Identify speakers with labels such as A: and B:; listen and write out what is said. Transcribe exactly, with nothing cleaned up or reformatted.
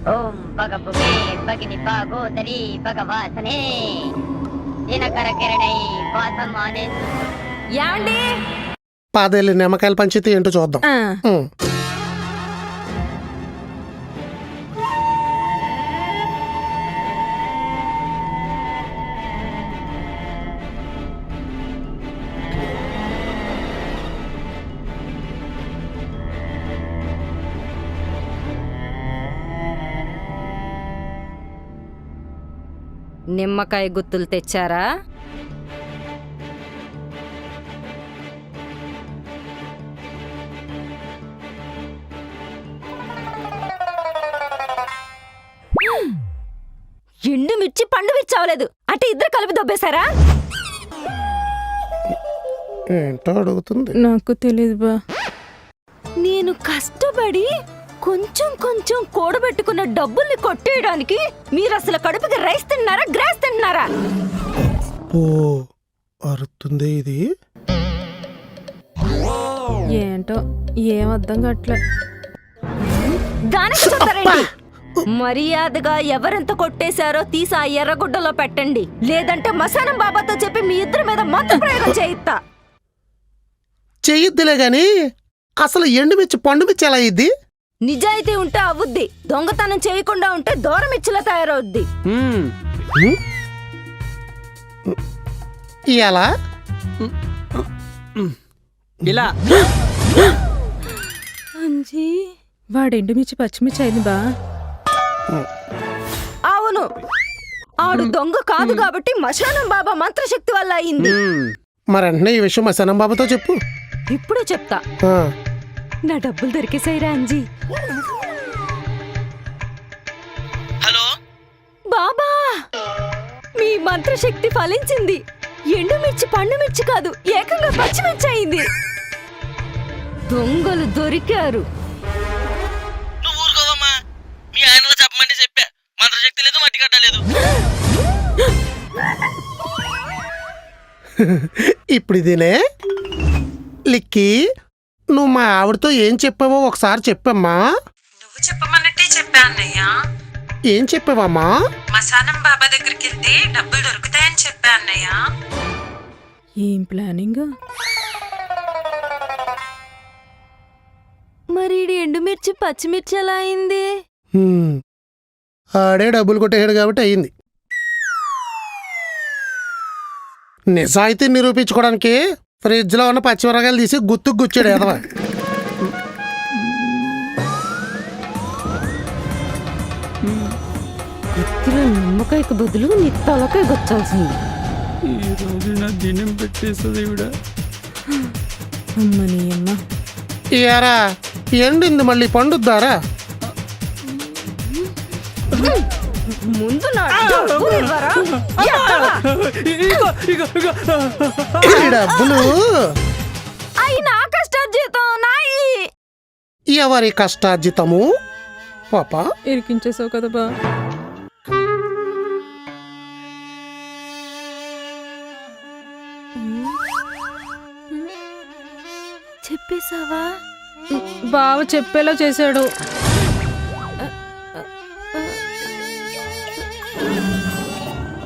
A: ఓం పగపుగే పగిని పాగోదరి భగవాసనే దినకర కిరణై వాసమానే.
B: యాండి
C: పాదేళ్ళు నిమ్మకాయల పంచితే ఏంటో చూద్దాం. ఉం.
B: నిమ్మకాయ గుత్తులు తెచ్చారా? ఎండు మిర్చి పండు మిర్చి అవ్వలేదు అంటే ఇద్దరు కలిపి దొబ్బేశారా?
C: ఏంటో అడుగుతుంది.
D: నాకు తెలియదు బా.
B: నేను కష్టపడి కొంచెం కొంచెం కూడబెట్టుకున్న డబ్బుల్ని కొట్టేయడానికి మీరు అసలు కడుపుకి రైస్ తిన్నారా గ్రాస్ తిన్నారా?
C: ఓ అరుతుంది ఇది.
D: ఏంటో ఏం అర్థం కావట్లే.
B: దానికి చెప్తారండి. మర్యాదగా ఎవరెంత కొట్టేశారో తీసి ఆ ఎర్రగుడ్డలో పెట్టండి, లేదంటే మసానం బాబాతో చెప్పి మీ ఇద్దరి మీద మంత్ర ప్రయోగం చేయిస్తా.
C: చెయ్యిద్దిలే గాని అసలు ఎండుమిర్చి పండుమిర్చి ఎలా అయ్యిద్ది?
B: నిజాయితీ ఉంటే అవుద్ది, దొంగతనం చేయకుండా ఉంటే దూరమిచ్చిలా తయారవుద్ది.
C: ఎలా?
E: ఇలా
D: అంజీ వాడు ఎండుమిర్చి పచ్చిమిర్చి అయింది బా.
B: అవును, ఆడు దొంగ కాదు కాబట్టి మశానం బాబా మంత్రశక్తి వల్ల అయింది.
C: మరంటే ఈ విషయం మా సనం బాబాతో చెప్పు.
B: ఇప్పుడు చెప్తా.
C: ఆ,
B: నా డబ్బులు దొరికేసాయిరా అంజీ.
E: హలో
B: బాబా, మీ మంత్రశక్తి ఫలించింది. ఎండుమిర్చి పండుమిర్చి కాదు, ఏకంగా పచ్చిమిర్చి అయింది. దొంగలు దొరికారు.
E: నువ్వు ఊరుకోవమ్మా, మీ ఆయనలో చెప్పమంటే చెప్పా, మంత్రశక్తి లేదు మట్టి కట్టలేదు.
C: ఇప్పుడు ఇదేనే లిక్కి, నువ్వు మా ఆవిడతో ఏం చెప్పావో ఒకసారి చెప్పమ్మా.
F: నువ్వు చెప్పమన్నట్టే చెప్పా అన్నయ్య.
C: ఏం చెప్పావమ్మా?
F: మసానం బాబా దగ్గరికి వెళ్తే డబ్బులు దొరుకుతాయని చెప్పా అన్నయ్య.
D: ఏం ప్లానింగ్?
B: మరి ఎండుమిర్చి పచ్చిమిర్చి ఎలా అయింది?
C: హ్మ్, ఆడే డబ్బులు కొట్టేయాడు కాబట్టి అయింది. నిజాయితీ నిరూపించుకోవడానికి ఫ్రిడ్జ్లో ఉన్న పచ్చిమిరకాయలు తీసి గుత్తుకు గుచ్చాడు ఎదవ.
B: గుత్తిలో నిమ్మకాయకు బదులు నీ తలకాయ గుచ్చాల్సింది.
E: ఈ రోజు నా దినం పెట్టేస్తుంది ఇవిడ.
D: అమ్మని అమ్మ.
C: ఇయారా ఎండింది మళ్ళీ పండుద్దారా?
B: ముందు నా డబ్బులు ఇవ్వరా? ఎత్తవా?
E: ఇగో ఇగో ఇగో
C: ఈ డబ్బులు
B: అయి నా కష్టార్జితం నాయి.
C: ఎవరి కష్టార్జితము? పాప
D: ఇరికించేసావు కదా బా.
B: చెప్పేశావా?
D: బావ చెప్పేలా చేశాడు.